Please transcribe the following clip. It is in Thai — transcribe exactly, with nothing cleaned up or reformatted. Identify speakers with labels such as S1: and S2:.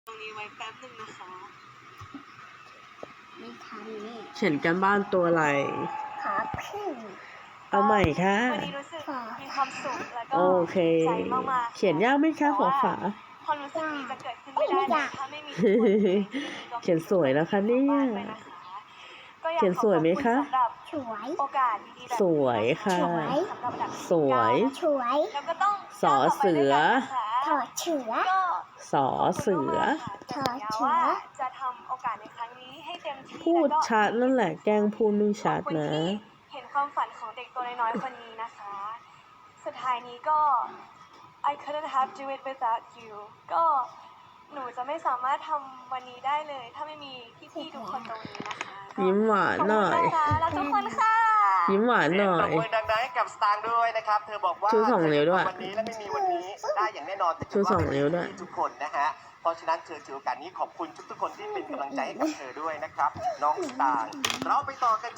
S1: ตรงนี้ไว้แป๊บนึงนะคะ
S2: ไม่ทันนี่
S3: เขียนกันบ้านตัวอะไร
S2: ขอพึ่ง
S3: เอาใหม่ค่ะ
S1: วันนี้รู้สึกมีความสุขแล้วก็
S3: โอเค
S1: ใจมากๆ
S3: เขียนยากไหมคะฝาฝา
S1: ความรู้สึกนี้จะเกิดขึ้นไม่ได้เลยถ้าไม่มีทุกคนในที่นี้ก็
S3: เขียนสวยนะคะเนี่ย
S1: ก็อาก
S3: เขียนสวยไหมคะ
S1: ขอบณสำหรับ
S2: สวย
S1: โอกาสดีๆแบบนี้
S3: สวยค่ะ
S1: สำหรับดับ
S3: สวย
S2: สวย
S1: แล้วก็ต้อง
S3: สอเสือ
S2: ถอดเชือ
S1: ก็
S3: สอเสือ
S1: ขอบคุณมากๆค่ะสัญญาว่าจะทำโอกาสในครั้งนี้ให้เต็มที่
S3: พูด
S1: แล้วก็
S3: ชัดนั่นแหละ แกล้งพูดไม่ชัด
S1: ขอบคุณ
S3: นะ
S1: ที่เห็นความฝันของเด็กตัวน้อยๆคนนี้นะคะ สุดท้ายนี้ก็ I couldn't have do it without you ก็หนูจะไม่สามารถทำวันนี้ได้เลย ถ้าไม่มีพี่ๆทุกคนตรงนี้นะคะก็
S3: ยิ้มหวานหน่อย
S1: ขบคุณนะคะแล้วทุกคนค่ะ
S3: ยิ้มหวานหน่อย
S4: เสีงปรบมือดังๆให้กับสตางค์ด้วยนะครับ เธอบอกว่า
S3: ชูสองนิ้วด้วย
S4: วันนี้และไม่มีวันนี้ได้อย่างแน่นอนแต่
S3: ชูสองนิ้วด้วย
S4: ทุกคนนะฮะ เพราะฉะนั้นเธอถือโอกาสนี้ขอบคุณทุกๆคนที่เป็นกำลังใจให้กับเธอด้วยนะครับ น้องสตางค์เราไปต่อกัน